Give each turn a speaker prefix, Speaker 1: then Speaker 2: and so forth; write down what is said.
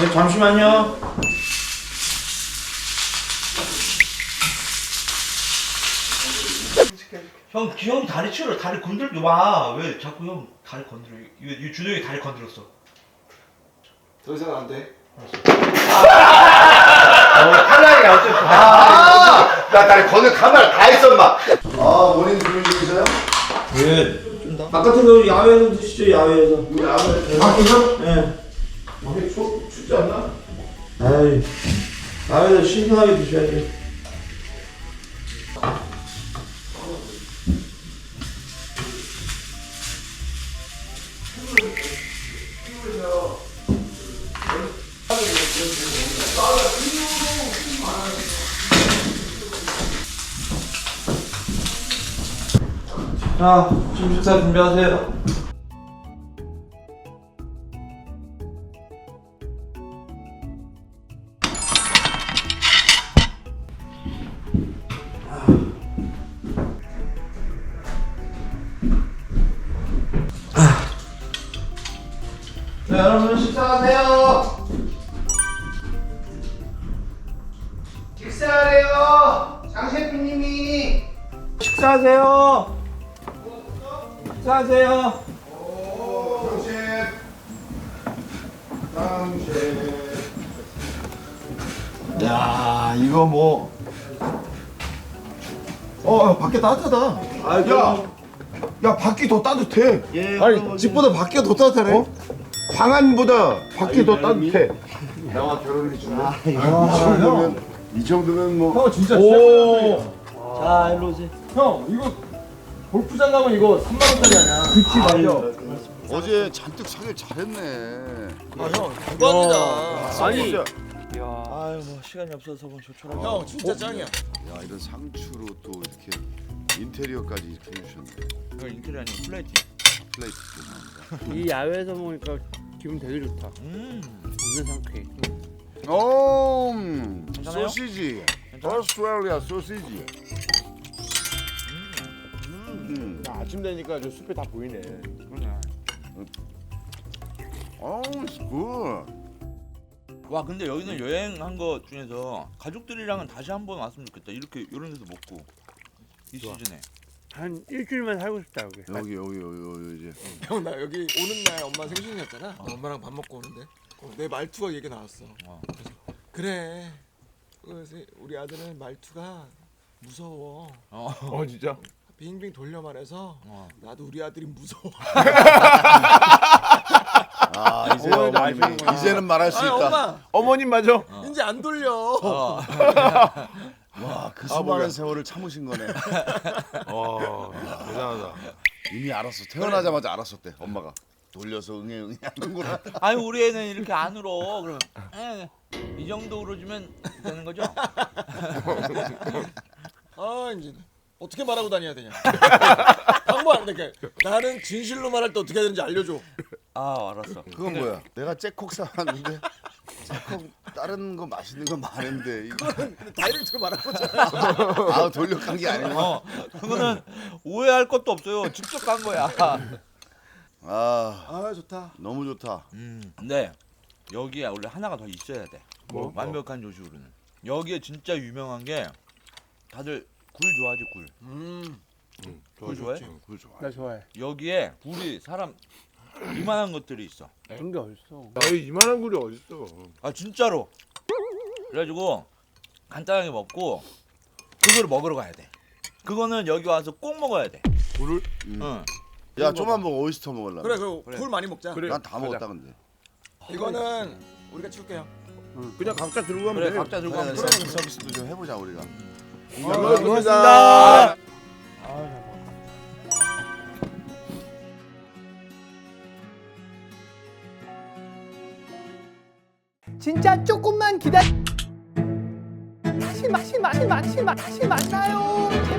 Speaker 1: 네, 잠시만요. 형, 기형 다리 치우려. 다리 건들지 마. 왜 자꾸 형 다리 건드려? 이 준영이 다리 건드렸어.
Speaker 2: 더 이상 안 돼.
Speaker 1: 탈락이야 어쨌든.
Speaker 3: 나 다리 건들 카메라 다 했어 마. 원인 주문 중이세요?
Speaker 1: 왜? 바깥에서 야외에서 드시죠, 야외에서.
Speaker 3: 야외
Speaker 1: 밖에서? 예.
Speaker 3: 밖에 춥지 않나?
Speaker 1: 아이, 야외에서 신선하게 드셔야지. 자, 지금 식사 준비하세요. 자, 여러분 식사하세요.
Speaker 3: 식사하래요. 장 셰프님이.
Speaker 1: 식사하세요. 식사하세요.
Speaker 3: 장 야, 이거 뭐. 밖에 따뜻하다. 야, 밖이 더 따뜻해. 아니, 집보다 밖이 더 따뜻하네. 방 안보다 밖이 더 따뜻해. 나와 결혼해 주네. 이 정도면 뭐.
Speaker 2: 형 진짜
Speaker 1: 자, 일로 오세요.
Speaker 2: 형 이거 골프장 가면 이거 3만 원짜리 아니야?
Speaker 1: 그치, 맞아.
Speaker 3: 어제 잔뜩 사길 잘했네.
Speaker 2: 형 대박이다.
Speaker 3: 아니,
Speaker 1: 아유, 뭐 시간이 없어서 뭐 조촐하게.
Speaker 2: 형 진짜 짱이야.
Speaker 3: 야, 이런 상추로 또 이렇게 인테리어까지 이렇게 해주셨네.
Speaker 1: 이거 인테리어 아니고 플레이팅.
Speaker 3: 플레이트 죄송합니다.
Speaker 4: 이 야외에서 먹으니까 기분 되게 좋다. 완전 상쾌해.
Speaker 3: 오,
Speaker 1: 괜찮아요?
Speaker 3: 소시지. 오스트레일리아 소시지.
Speaker 2: 아침 되니까 저 숲에 다 보이네.
Speaker 3: 오, it's good.
Speaker 1: 와, 근데 여기는 여행한 거 중에서 가족들이랑은 다시 한번 왔으면 좋겠다. 이렇게 이런 데서 먹고 이 시즌에.
Speaker 4: 한 일주일만 살고 싶다 여기.
Speaker 3: 여기 이제.
Speaker 2: 형 나 여기 오는 날 엄마 생신이었잖아. 엄마랑 밥 먹고 오는데 내 말투가 얘기 나왔어. 그래서 그래. 그래서 우리 아들은 말투가 무서워.
Speaker 3: 진짜?
Speaker 2: 빙빙 돌려 말해서 나도 우리 아들이 무서워.
Speaker 3: 아, 이제 어머님이 이제는 말할 수 있다.
Speaker 2: 엄마
Speaker 3: 어머님 맞아.
Speaker 2: 이제 안 돌려.
Speaker 3: 와, 그 수많은 세월을 참으신 거네.
Speaker 2: 대단하다.
Speaker 3: 이미 알았어. 태어나자마자 알았었대. 엄마가 돌려서 응애 하는구나.
Speaker 1: 아유, 우리 애는 이렇게 안 울어. 그러면 이 정도 울어주면 되는 거죠?
Speaker 2: 아 이제 어떻게 말하고 다녀야 되냐. 방법 안 돼. 나는 진실로 말할 때 어떻게 해야 되는지 알려줘.
Speaker 1: 아, 알았어.
Speaker 3: 그건 뭐야? 내가 잭콕 사왔는데 잭콕 다른 거 맛있는 거 많은데
Speaker 2: 그거는 다이렉트로 말한 거잖아.
Speaker 3: 아, 돌려간 게 아니고.
Speaker 1: 그거는 오해할 것도 없어요. 직접 간 거야.
Speaker 3: 아,
Speaker 2: 좋다.
Speaker 3: 너무 좋다.
Speaker 1: 근데 여기에 원래 하나가 더 있어야 돼. 완벽한 조식으로는. 여기에 진짜 유명한 게 다들 굴 좋아하지, 굴. 굴 좋아해?
Speaker 3: 굴 좋아.
Speaker 4: 나 좋아해.
Speaker 1: 여기에 굴이 사람 이만한 것들이 있어.
Speaker 4: 그런 게 어딨어.
Speaker 5: 에이, 이만한 굴이 어딨어.
Speaker 1: 아, 진짜로. 그래가지고 간단하게 먹고 그거를 먹으러 가야 돼. 그거는 여기 와서 꼭 먹어야 돼.
Speaker 3: 굴을?
Speaker 1: 응.
Speaker 3: 야, 좀만 먹어. 오이스터 먹으려고.
Speaker 2: 그래 굴 많이 먹자.
Speaker 5: 그래.
Speaker 3: 난 다 먹었다 근데.
Speaker 2: 이거는 우리가 치울게요.
Speaker 5: 그냥 각자 들고 가면
Speaker 1: 그래,
Speaker 5: 돼.
Speaker 1: 각자 들고 가면 돼.
Speaker 3: 서비스도 좀 해보자 우리가.
Speaker 1: 고맙습니다.
Speaker 6: 진짜 조금만 기다려. 다시 만나요.